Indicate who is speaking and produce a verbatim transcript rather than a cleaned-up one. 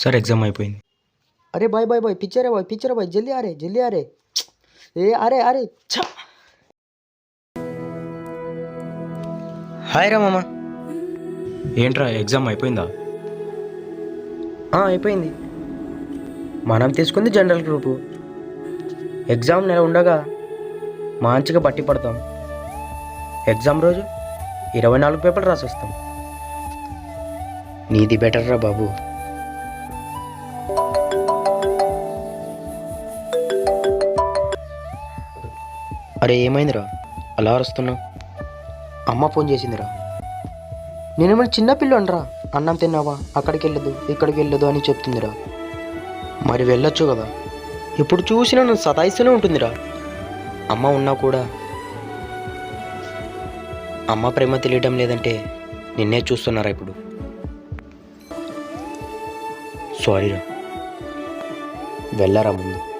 Speaker 1: Sir exam అయిపోయింది.
Speaker 2: अरे भाई भाई भाई पीछे रे भाई पीछे रे भाई जल्दी आ रे जल्दी आ रे ए अरे अरे छा హాయ్ రా మామ.
Speaker 1: ఏంట్రా ఎగ్జామ్ అయిపోయిందా?
Speaker 2: అయిపోయింది. మనం తీసుకుంది జనరల్ గ్రూపు. ఎగ్జామ్ నెల ఉండగా మంచిగా బట్టి పడతాం. ఎగ్జామ్ రోజు ఇరవై నాలుగు పేపర్లు రాసి వస్తాం. నీది బెటర్ రా బాబు. అరే ఏమైందిరా అలా అరుస్తున్నావు? అమ్మ ఫోన్ చేసిందిరా. నేనేమైనా చిన్నపిల్లనరా, అన్నం తిన్నావా, అక్కడికి వెళ్ళదు ఇక్కడికి వెళ్ళదు అని చెప్తుందిరా. మరి వెళ్ళొచ్చు కదా. ఇప్పుడు చూసినా నన్ను సతాయిస్తూనే ఉంటుందిరా. అమ్మ ఉన్నా కూడా అమ్మ ప్రేమ తెలియడం లేదంటే నిన్నే చూస్తున్నారా ఇప్పుడు. సారీరా, వెళ్ళారా ముందు.